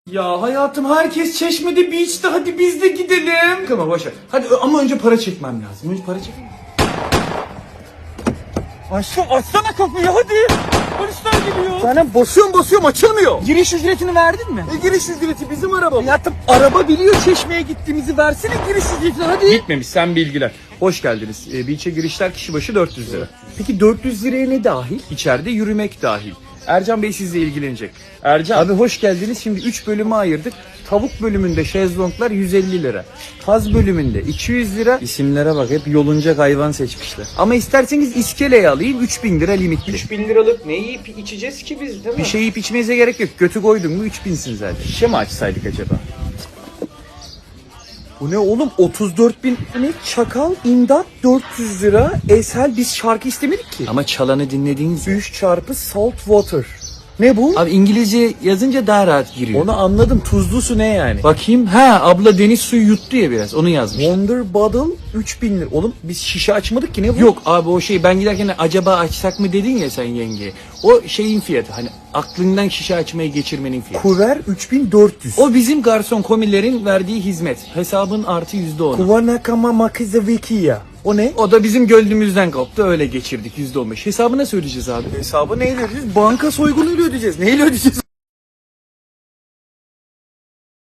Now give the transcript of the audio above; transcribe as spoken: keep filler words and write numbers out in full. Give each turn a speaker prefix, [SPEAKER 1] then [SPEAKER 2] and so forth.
[SPEAKER 1] Ya hayatım herkes Çeşme'de beach'te, hadi biz de gidelim. Tamam boşver. Hadi ama önce para çekmem lazım. Önce para çekeyim.
[SPEAKER 2] Aşkım açsana kapıyı hadi. Polisler geliyor.
[SPEAKER 1] Zaten basıyorum basıyorum açılmıyor.
[SPEAKER 2] Giriş ücretini verdin mi?
[SPEAKER 1] E, giriş ücreti bizim araba.
[SPEAKER 2] Hayatım araba biliyor Çeşme'ye gittiğimizi, versene giriş ücretini hadi.
[SPEAKER 1] Gitmemiş, sen bilgiler. Hoş geldiniz. E, beach'e girişler kişi başı dört yüz lira. Peki dört yüz liraya ne dahil? İçeride yürümek dahil. Ercan Bey sizle ilgilenecek. Ercan. Abi hoş geldiniz. Şimdi üç bölüme ayırdık. Tavuk bölümünde şezlonglar yüz elli lira. Kaz bölümünde iki yüz lira. İsimlere bak, hep yolunacak hayvan seçmişler. Ama isterseniz iskeleyi alayım, üç bin lira limitli. üç bin liralık ne yiyip içeceğiz ki biz, değil mi? Bir şey yiyip içmenize gerek yok. Götü koydun mu üç binsin zaten. Şişe mi açsaydık acaba?
[SPEAKER 2] Bu ne oğlum, otuz dört bin ne? Çakal imdat dört yüz lira. Esel biz şarkı istemedik ki.
[SPEAKER 1] Ama çalanı dinlediğiniz
[SPEAKER 2] üç çarpı salt water. Ne bu?
[SPEAKER 1] Abi İngilizce yazınca daha rahat giriyor.
[SPEAKER 2] Onu anladım, tuzlu su ne yani?
[SPEAKER 1] Bakayım. Ha, abla deniz suyu yuttu ya biraz. Onu yazmış.
[SPEAKER 2] Wonder Bottle üç bin lira. Oğlum biz şişe açmadık ki, ne bu?
[SPEAKER 1] Yok abi, o şey, ben giderken acaba açsak mı dedin ya sen yengeye. O şeyin fiyatı, hani aklından şişe açmayı geçirmenin fiyatı.
[SPEAKER 2] Kuver üç bin dört yüz.
[SPEAKER 1] O bizim garson komilerin verdiği hizmet. Hesabın artı yüzde onu.
[SPEAKER 2] Kuvanakama makizavikiya. O ne?
[SPEAKER 1] O da bizim gönlümüzden koptu, öyle geçirdik yüzde on beş. Hesabı nasıl ödeyeceğiz abi?
[SPEAKER 2] Hesabı neyle ödeyeceğiz? Banka soygunuyla ödeyeceğiz. Neyle ödeyeceğiz?